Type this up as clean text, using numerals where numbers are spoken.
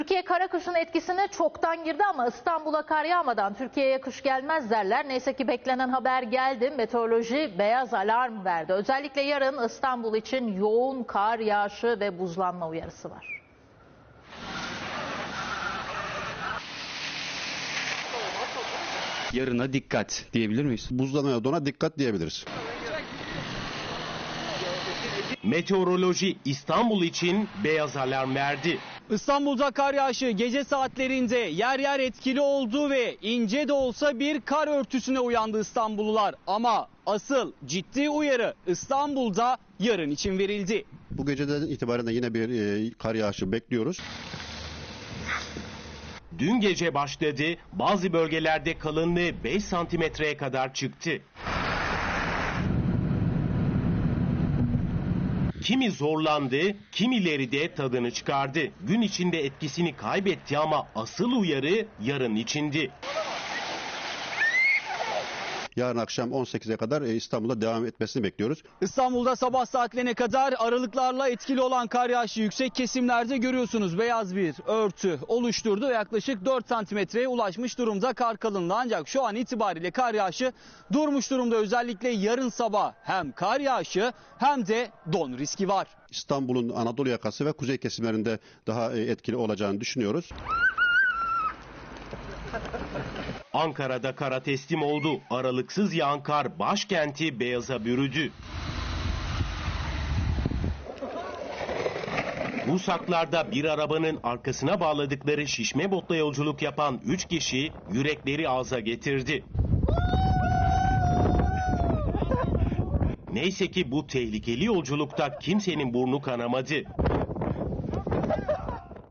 Türkiye kara kışın etkisine çoktan girdi ama İstanbul'a kar yağmadan Türkiye'ye kış gelmez derler. Neyse ki beklenen haber geldi. Meteoroloji beyaz alarm verdi. Özellikle yarın İstanbul için yoğun kar yağışı ve buzlanma uyarısı var. Yarına dikkat diyebilir miyiz? Buzlanmaya, dona dikkat diyebiliriz. Meteoroloji İstanbul için beyaz alarm verdi. İstanbul'da kar yağışı gece saatlerinde yer yer etkili oldu ve ince de olsa bir kar örtüsüne uyandı İstanbullular. Ama asıl ciddi uyarı İstanbul'da yarın için verildi. Bu geceden itibaren de yine bir kar yağışı bekliyoruz. Dün gece başladı, bazı bölgelerde kalınlığı 5 santimetreye kadar çıktı. Kimi zorlandı, kimileri de tadını çıkardı. Gün içinde etkisini kaybetti ama asıl uyarı yarın içindi. Yarın akşam 18'e kadar İstanbul'da devam etmesini bekliyoruz. İstanbul'da sabah saatlerine kadar aralıklarla etkili olan kar yağışı yüksek kesimlerde görüyorsunuz. Beyaz bir örtü oluşturdu ve yaklaşık 4 santimetreye ulaşmış durumda kar kalınlığı. Ancak şu an itibariyle kar yağışı durmuş durumda. Özellikle yarın sabah hem kar yağışı hem de don riski var. İstanbul'un Anadolu yakası ve kuzey kesimlerinde daha etkili olacağını düşünüyoruz. Ankara'da kara teslim oldu. Aralıksız yağan kar başkenti beyaza bürüdü. Busaklar'da bir arabanın arkasına bağladıkları şişme botla yolculuk yapan 3 kişi yürekleri ağza getirdi. Neyse ki bu tehlikeli yolculukta kimsenin burnu kanamadı.